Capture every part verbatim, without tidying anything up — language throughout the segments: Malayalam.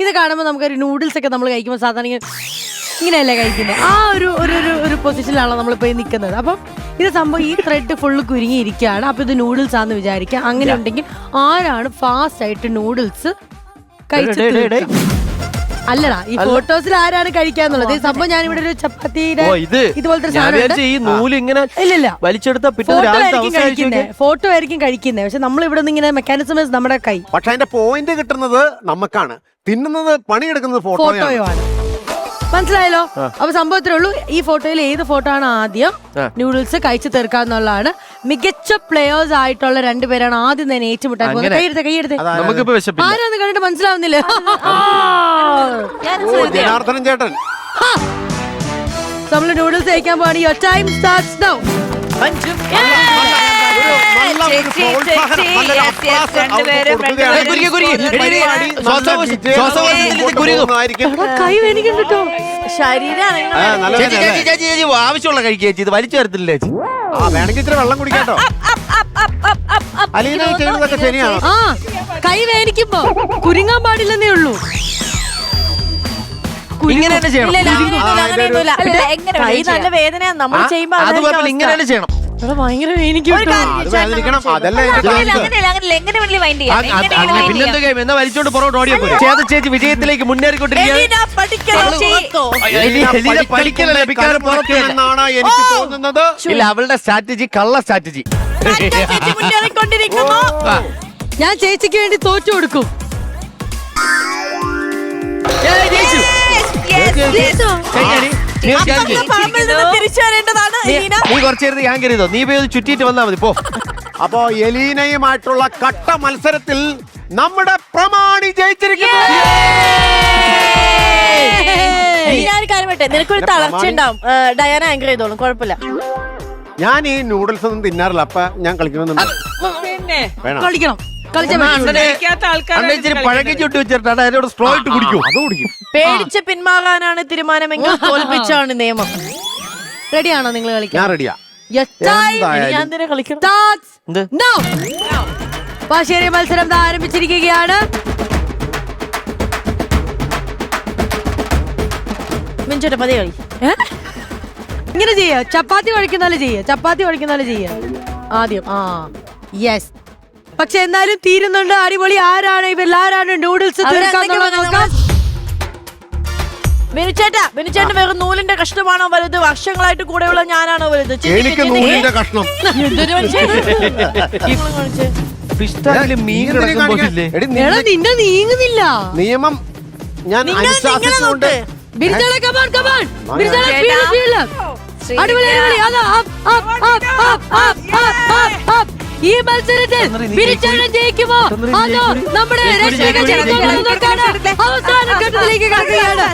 ഇത് കാണുമ്പോൾ നമുക്കൊരു നൂഡിൽസ് ഒക്കെ നമ്മൾ കഴിക്കുമ്പോൾ സാധാരണ ഇങ്ങനെയല്ലേ കഴിക്കുന്നത്, ആ ഒരു ഒരു ഒരു പൊസിഷനിലാണല്ലോ നമ്മളിപ്പോൾ നിൽക്കുന്നത്. അപ്പം ഇത് സംഭവം ഈ ത്രെഡ് ഫുള്ള് കുരുങ്ങിയിരിക്കുകയാണ്. അപ്പൊ ഇത് നൂഡിൽസ് ആണെന്ന് വിചാരിക്കാം. അങ്ങനെ ഉണ്ടെങ്കിൽ ആരാണ് ഫാസ്റ്റ് ആയിട്ട് നൂഡിൽസ് കഴിച്ചിട്ട് അല്ലടാ ഈ ഫോട്ടോസിൽ ആരാണ് കഴിക്കാന്നുള്ളത്. ഈ സംഭവം ഞാനിവിടെ ഒരു ചപ്പാത്തിയുടെ ഇതുപോലത്തെ ഇല്ലില്ല ഫോട്ടോ ആയിരിക്കും കഴിക്കുന്നത്. പക്ഷെ നമ്മൾ ഇവിടെ നിന്ന് ഇങ്ങനെ മെക്കാനിസം നമ്മുടെ കൈ. പക്ഷെ അതിന്റെ പോയിന്റ് കിട്ടുന്നത് നമുക്കാണ്, തിന്നുന്നത് പണിയെടുക്കുന്നത് ഫോട്ടോയാണ്. മനസ്സിലായല്ലോ? അപ്പൊ സംഭവത്തിലേ ഉള്ളൂ, ഈ ഫോട്ടോയിൽ ഏത് ഫോട്ടോ ആണ് ആദ്യം നൂഡിൽസ് കഴിച്ചു തീർക്കാന്നുള്ളതാണ്. മികച്ച പ്ലേയേഴ്സ് ആയിട്ടുള്ള രണ്ടുപേരാണ് ആദ്യം തന്നെ ഏറ്റുമുട്ടാൻ പോകുന്നത്. കൈയെടുത്ത കൈയെടുത്ത് ആരാന്ന് കണ്ടിട്ട് മനസ്സിലാവുന്നില്ല. ജനാർദ്ദനൻ ചേട്ടൻ നമ്മള് നൂഡിൽസ് കഴിക്കാൻ പോവാണ്. Your time starts now. കൈ വേനിക്കട്ടോ ആവശ്യമുള്ള കഴിക്കേച്ചി, ഇത് വലിച്ചു തരത്തില്ല ചേച്ചി. വേണമെങ്കിൽ ഇത്ര വെള്ളം കുടിക്കാട്ടോ. അലീന ചെയ്യുന്നതൊക്കെ ശരിയാണ്. ആ കൈ വേനിക്കുമ്പോ കുരുങ്ങാൻ പാടില്ലെന്നേ ഉള്ളൂ. ഇങ്ങനെ തന്നെ ചെയ്യണം. കൈ നല്ല വേദനയാണ് നമ്മൾ ചെയ്യുമ്പോ. അതുപോലെ ഇങ്ങനെ തന്നെ ചെയ്യണം. ഭയങ്കര വേനിക്കും. പിന്നെന്താ ഗെയിം എന്നാ വലിച്ചോണ്ട് പുറകോട്ട് ഓടിയാ പോലെ. ചേത ചേച്ചി വിജയത്തിലേക്ക് മുന്നേറിക്കൊണ്ടിരിക്കുകയാണ്. എനിക്ക് തോന്നുന്നത് ഇല്ല, അവളുടെ സ്ട്രാറ്റജി കള്ള സ്ട്രാറ്റജി. ഞാൻ ചേച്ചിക്ക് വേണ്ടി തോറ്റു കൊടുക്കും. നീ കുറച്ചേരുത് ഞാൻ കരുതോ, നീ പോയി ചുറ്റിയിട്ട് വന്നാ മതി പോ. അപ്പോ എലീനയുമായിട്ടുള്ള കട്ട മത്സരത്തിൽ നമ്മുടെ പ്രമാണി ജയിച്ചിരിക്കുന്നു. ഞാനൊരു കാര്യം പറ്റേ, നിനക്കൊരു തളർച്ച ഉണ്ടാവും. ഡയാന ആങ്കർ ചെയ്തോളും, കുഴപ്പമില്ല. ഞാൻ ഈ നൂഡിൽസ് ഒന്നും തിന്നാറില്ല, അപ്പൊ ഞാൻ കളിക്കണമെന്നുണ്ട്. കളിക്കണം. പഴകി ചുട്ടി വെച്ചിട്ടാണ് അതിനോട് സ്ട്രോ ഇട്ട് കുടിക്കും. അത് കുടിക്കും. പേടിച്ച് പിന്മാറാനാണ് തീരുമാനമെങ്കിൽ തോൽപ്പിച്ചാണ് നിയമം. റെഡിയാണോ നിങ്ങൾ കളിക്കാൻ? ഞാൻ റെഡിയാ. ഞാൻ തന്നെ കളിക്കണം. പാശേരി മത്സരം ആരംഭിച്ചിരിക്കുകയാണ്. മിഞ്ചോട്ടെ പതി കളി. ഇങ്ങനെ ചെയ്യ, ചപ്പാത്തി കുഴക്കുന്നാലും ചെയ്യ, ചപ്പാത്തി കുഴക്കുന്നാലും ചെയ്യ ആദ്യം. ആ യെസ്. പക്ഷെ എന്നാലും തീരുന്നുണ്ട്. അടിപൊളി. ആരാണ് ഇവർ? ആരാണ് നൂഡിൽസ് ബിനുചേട്ടാ, ബിനുചേട്ടൻ വെറും നൂലിന്റെ കഷ്ണമാണോ വലുത്? വർഷങ്ങളായിട്ട് കൂടെയുള്ള ഞാനാണോ വലുത്? എനിക്ക് നൂലിന്റെ കഷ്ണം. നിന്നെ നീങ്ങുന്നില്ല. നിയമം ഞാൻ അനുശാസിച്ചുകൊണ്ട് ഈ മത്സരത്തിൽ ബിനുചേട്ടൻ ജയിക്കുമോ അതോ നമ്മുടെ അവസാന ഘട്ടത്തിലേക്ക് കടക്കുകയാണ്.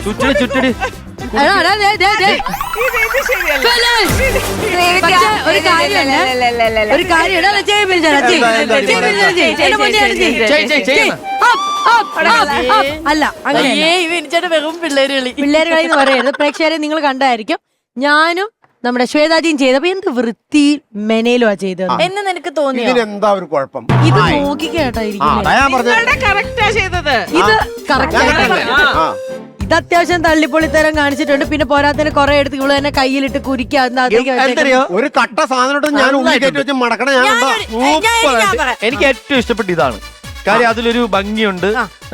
ഒരു കാര്യമല്ല, ഒരു കാര്യം അല്ല അങ്ങനെ വെറും പിള്ളേര് കളി. പിള്ളേര് കളി എന്ന് പറയരുത്. പ്രേക്ഷകരെ നിങ്ങൾ കണ്ടായിരിക്കും. ഞാനും നമ്മുടെ ശ്വേതാജിയും ചെയ്തപ്പോ എന്ത് വൃത്തി മെനയിലുവാ ചെയ്തത് എന്ന് നിനക്ക് തോന്നി. ഇതിനെന്താ ഒരു കുഴപ്പം? ഇത് നോക്കിക്കേട്ടായിരിക്കും. ഇത് ഇത് അത്യാവശ്യം തള്ളിപ്പൊളിത്തരം കാണിച്ചിട്ടുണ്ട്. പിന്നെ പോരാത്തതിന് കുറെ എടുത്ത് ഇവള് തന്നെ കയ്യിലിട്ട് കുരിക്കാ. ഒരു കട്ട സാധനം ഞാൻ ഉള്ളിൽ കയറ്റി വെച്ച് മടക്കണ ഞാൻ. എനിക്ക് ഏറ്റവും ഇഷ്ടപ്പെട്ട ഇതാണ് കാര്യം. അതിലൊരു ഭംഗിയുണ്ട്.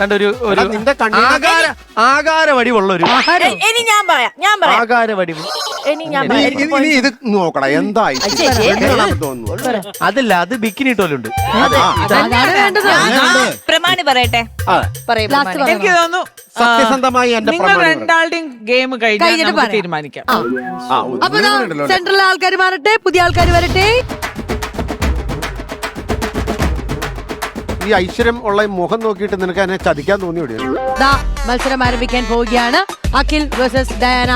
ആകാര വടിവുള്ള ഒരു ഇനി ഞാൻ പറയാം ഞാൻ പറയാം ആകാര വടിവ്. ഇനി ഞാൻ ഇത് നോക്കടാ എന്തായി അതല്ല, അത് ബിക്കിനി ഇട്ടോലുണ്ട്. പ്രമാണി പറയട്ടെ. എനിക്ക് തോന്നുന്നു സത്യസന്ധമായി നിങ്ങൾ രണ്ടാളുടെയും ഗെയിം കഴിഞ്ഞിട്ട് തീരുമാനിക്കാം. അപ്പൊ സെൻട്രലിലെ ആൾക്കാർ മാറട്ടെ, പുതിയ ആൾക്കാർ വരട്ടെ. ഈ ഐശ്വര്യം ഉള്ള മുഖം നോക്കിയിട്ട് നിനക്ക് എന്നെ ചതിക്കാൻ തോന്നി വിടുന്നു. മത്സരം ആരംഭിക്കാൻ പോവുകയാണ്. അഖിൽ വേഴ്സസ് ഡയാന.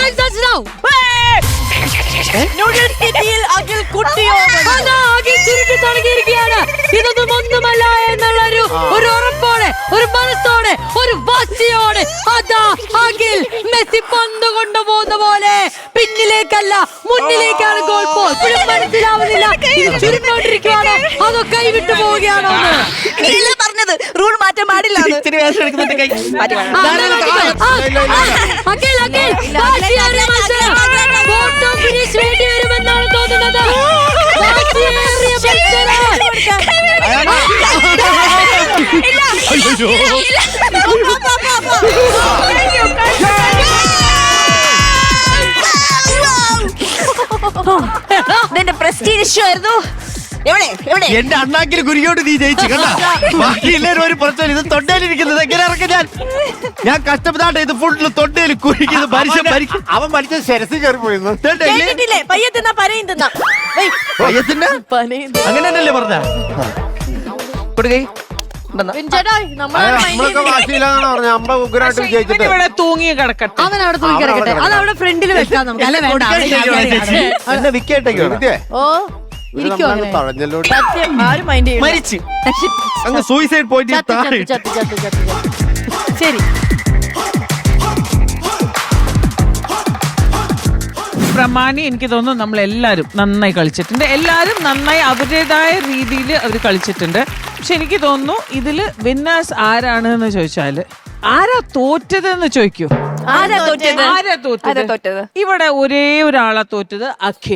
ഇതൊന്നും ഒന്നുമല്ല എന്നുള്ള ഒരു ഉറപ്പോടെ, ഒരു മനസ്സോടെ, ഒരു വാശിയോടെ അതാ അഖിൽ ആണെങ്കിൽ മെസ്സി പന്ത് കൊണ്ടുപോകുന്ന പോലെ പിന്നിലേക്കല്ല മുന്നിലേക്കാണ് ഗോൾ പോസ്റ്റ്. ഇപ്പോഴും മനസ്സിലാവുന്നില്ല ഇത് ചുരുണ്ടോണ്ടിരിക്കുവാണോ അതോ കൈവിട്ടു പോവുകയാണോ എന്ന്. നീയല്ലേ പറഞ്ഞത് റൂൾ മാറ്റാൻ പാടില്ല ഇച്ചിരി വേഷം എടുക്കുന്നുണ്ട് കൈ. ആ, ആ, അഖിൽ, അഖിൽ, വാശിയേറിയ മത്സരം. ഫോട്ടോ ഫിനിഷ് വേണ്ടി വരുമെന്നാണ് തോന്നുന്നത്. വാശിയേറിയ മത്സരം. ഇതെന്റെ പ്രസ്റ്റീജ് ഇഷ്യൂ ആയിരുന്നു. എവിടെ എവിടെ എന്റെ അണ്ണാക്കിൽ കുരുയോട് നീ ജയിച്ചു കണ്ടാ. ബാക്കി എല്ലാവരും ഒരു പ്രശ്നം. ഇത് തൊണ്ടയിലിരിക്കുന്നത് എങ്ങനെ ഇറക്കം ഞാൻ ഞാൻ കഷ്ടപ്പെട്ടാട്ടെ ഇത് ഫുള്ള് തൊണ്ടയിൽ കുരുക്കിയത് മനുഷ്യൻ മരിക്കും. അവൻ മരിച്ച ശരസി കയറി പോയിരുന്നു. കേട്ടിട്ടില്ലേ പയ്യ തിന്നാ പനയും തിന്നാ പയ്യത്തിന്റെ അങ്ങനെ തന്നെയല്ലേ പറഞ്ഞ കൊടുക്കൈ ചേട്ടാ നമ്മളാണ് mind നമ്മളൊക്കെ ചെയ്യുന്നത്. വാശിയില്ലാന്നാണ് പറഞ്ഞ അമ്പ ഉഗ്രായിട്ട് പക്ഷേ വിജയിച്ചിട്ട് ഇവൻ ഇവിടെ തൂങ്ങി കിടക്കട്ടെ. അവൻ അവിടെ തൂക്കി കിടക്കട്ടെ. അത് അവിടെ ഫ്രണ്ടിൽ വെക്കാം നമുക്ക്. അല്ല വേണ്ട അവിടെ ഇരിക്കാം. എന്നെ വിക്കറ്റേക്ക് വിദ്യേ, ഓ ഇത് ഇരിക്കുവോ നമ്മളങ്ങ് അങ്ങനെ? തഴഞ്ഞല്ലോ. സത്യം ആരും മൈൻഡ് ചെയ്യും മരിച്ച് അങ്ങ് സൂയിസൈഡ് പോയിന്റ് ചത്ത് താഴെ ചത്ത് ചത്ത് ചത്ത് ചത്ത് ശരി. പ്രമാണി എനിക്ക് തോന്നുന്നു നമ്മൾ എല്ലാവരും നന്നായി കളിച്ചിട്ടുണ്ട്. എല്ലാവരും നന്നായി അവരുടേതായ രീതിയിൽ അവർ കളിച്ചിട്ടുണ്ട്. പക്ഷെ എനിക്ക് തോന്നുന്നു ഇതില് വിന്നേഴ്സ് ആരാണ് എന്ന് ചോദിച്ചാല് ആരാ തോറ്റതെന്ന് ചോദിക്കൂ. ആരാ തോറ്റത്? ആരാ തോറ്റത്? തോറ്റത്? ഇവിടെ ഒരേ ഒരാളാ തോറ്റത്, അഖിൽ.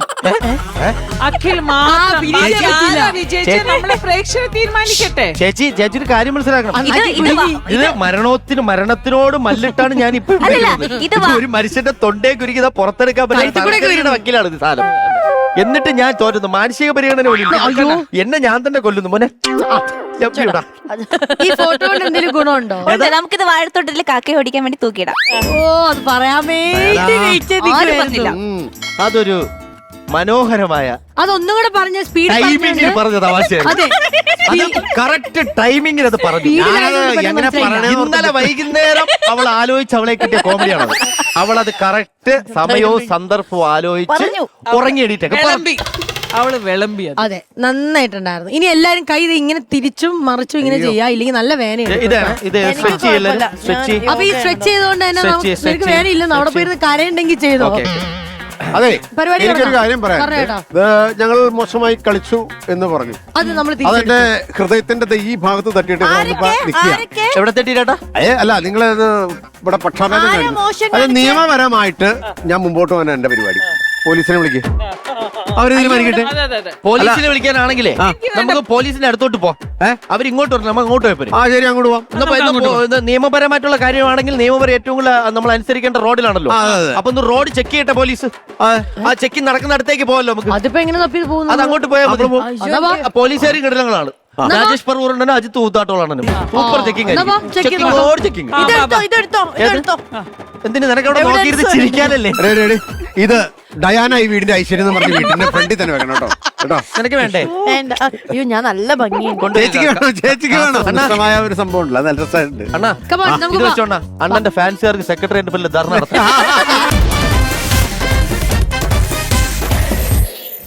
അഖിൽ മാത്രം. വിജയിച്ചേ ബാക്കി പറ്റില്ല. ആരാ വിജയിച്ചത് നമ്മളെ പ്രേക്ഷകർ തീരുമാനിക്കട്ടെ. ചേച്ചി ചേച്ചി ഒരു കാര്യം മനസ്സിലാക്കണം. ഇത് ഇത് വാ. ഇത് മരണത്തിന് മരണത്തിനോട് മല്ലിട്ടാണ് ഞാൻ ഇപ്പൊ ഇവിടെ അല്ലല്ല, ഇരിക്കുന്നത്. ഇത് വാ. ഒരു മനുഷ്യന്റെ തൊണ്ടേ കുരുക്കിതാ പുറത്തെടുക്കാൻ പറ്റുന്ന വക്കീലാണ് ഇത് സാധനം. എന്നിട്ട് ഞാൻ തോറ്റുന്നു. മാനസിക പരിഗണന പോലും ഇല്ല. എന്നെ ഞാൻ തന്നെ കൊല്ലുന്നു മോനെ. ലഭ്യടാ. ഈ ഫോട്ടോ കൊണ്ട് എന്തെങ്കിലും ഗുണമുണ്ടോ? ഉണ്ട്. നമുക്കിത് വാഴത്തോട്ടത്തിൽ കാക്കയെ ഓടിക്കാൻ വേണ്ടി തൂക്കിയിടാം. ഓ അത് പറയാൻ വേണ്ടി വെയിറ്റ് ചെയ്ത് നിൽക്കുവായിരുന്നു. ഉം. അതൊരു മനോഹരമായ അതൊന്നും കൂടെ പറഞ്ഞ സ്പീഡ് ടൈമിംഗിൽ പറഞ്ഞ തമാശ. അതെ കറക്റ്റ് ടൈമിംഗിൽ അത് പറഞ്ഞു. ഞാനത് എങ്ങനെ പറയണേ ഇന്നലെ വൈകുന്നേരം അവൾ ആലോചിച്ച് അവളെ കിട്ടിയ കോമഡിയാണ്. അവൾ അത് കറക്റ്റ് സമയവും സന്ദർഭവും ആലോചിച്ച് ഉറങ്ങി എണീറ്റൊക്കെ പറഞ്ഞു. വിളമ്പി. അവള് വിളമ്പിയത്. അതെ നന്നായിട്ടുണ്ടായിരുന്നു. ഇനി എല്ലാരും കൈ ഇത് ഇങ്ങനെ തിരിച്ചും മറിച്ചും ഇങ്ങനെ ചെയ്യാ, ഇല്ലെങ്കിൽ നല്ല വേനയുണ്ട്. ഇതാണ് ഇത് സ്ട്രെച്ച് ചെയ്യല്ലേ സ്ട്രെച്ച് അപ്പൊ ഈ സ്ട്രെച്ച് ചെയ്തോണ്ട് തന്നെ Stretch, നമുക്ക് stretch, നിനക്ക് വേനയില്ലെന്ന് അവിടെ പോയിരുന്ന് കരയുണ്ടെങ്കിൽ ചെയ്തോ. ഓക്കെ അതെ, പരിപാടി എനിക്കൊരു തുടങ്ങാം. കാര്യം പറയാം. പറഞ്ഞേട്ടാ. ഇത് ഞങ്ങൾ മോശമായി കളിച്ചു എന്ന് പറഞ്ഞു. അത് നമ്മൾ അതെന്റെ ഹൃദയത്തിന്റെ ദേ ഈ ഭാഗത്ത് തട്ടിയിട്ട് വന്നപ്പോ നിക്കുക. ആരൊക്കെ എവിടെ തെറ്റിട്ടാ? ഏ അല്ല, നിങ്ങൾ ഇവിടെ പക്ഷാഭേദം ആരാ കാണിക്കുന്നു. മോശം അത് കാണിച്ചേ? നിയമപരമായിട്ട് ഞാൻ മുമ്പോട്ട് പോകാൻ എന്റെ പരിപാടി. പോലീസിനെ വിളിക്കുക, അവര് തീരുമാനിക്കട്ടെ. അതെ അതെ അതെ. പോലീസിനെ വിളിക്കാനാണെങ്കിലേ നമുക്ക് പോലീസിന്റെ അടുത്തോട്ട് പോ. അവർ ഇങ്ങോട്ട് വരണം, നമ്മൾ അങ്ങോട്ട് പോയപ്പോ ആ ശരി, അങ്ങോട്ട് പോവാം. നിയമപരമായിട്ടുള്ള കാര്യമാണെങ്കിൽ നിയമപരം ഏറ്റവും കൂടുതൽ നമ്മൾ അനുസരിക്കേണ്ട റോഡിലാണല്ലോ. ആ, അതെ, അതെ. അപ്പൊ ഒന്ന് റോഡ് ചെക്ക് ചെയ്യട്ടെ പോലീസ്. ആ ചെക്കിങ് നടക്കുന്ന അടുത്തേക്ക് പോകല്ലോ നമുക്ക്. അതിപ്പോ എങ്ങനെ തപ്പി അത് പോകുന്നു? അങ്ങോട്ട് പോയാൽ മതി. എന്നാ വാ. പോലീസുകാരും കിടലങ്ങളാണ്. രാജേഷ് പറവൂറുണ്ടോ അജിത്ത് ഊത്താട്ടോളാണ്. സൂപ്പർ ചെക്കിംഗ് എന്നാ വാ, check ചെയ്ത് നോക്കാം. Road checking. ഇതെടുത്തോ ഇതെടുത്തോ ഇതെടുത്തോ എന്തിനു നിനക്ക് അവിടെ നോക്കിയിരുന്ന് ചിരിക്കാനല്ലേ? Ready, ready. ഇത് ഡയാന ഈ വീടിന്റെ ഐശ്വര്യം എന്ന് പറഞ്ഞ വീടിന്റെ ഫ്രണ്ടിൽ തന്നെ വെക്കണം കേട്ടോ. കേട്ടോ, നിനക്ക് വേണ്ടേ? വേണ്ട. അയ്യോ ഞാൻ നല്ല ഭംഗിയുണ്ട്. ചേച്ചിക്ക് വേണം, ചേച്ചിക്ക് വേണം. മനോഹരമായ ഒരു സംഭവം ഉണ്ടല്ലോ, അത് നല്ല രസമായിട്ടുണ്ട്. അണ്ണാ Come on, നമുക്ക് ഇത് വാ. വെച്ചോണ്ടാ അണ്ണന്റെ ഫാൻസുകാർക്ക് സെക്രട്ടറിയേറ്റ് ധർണ നടത്താം.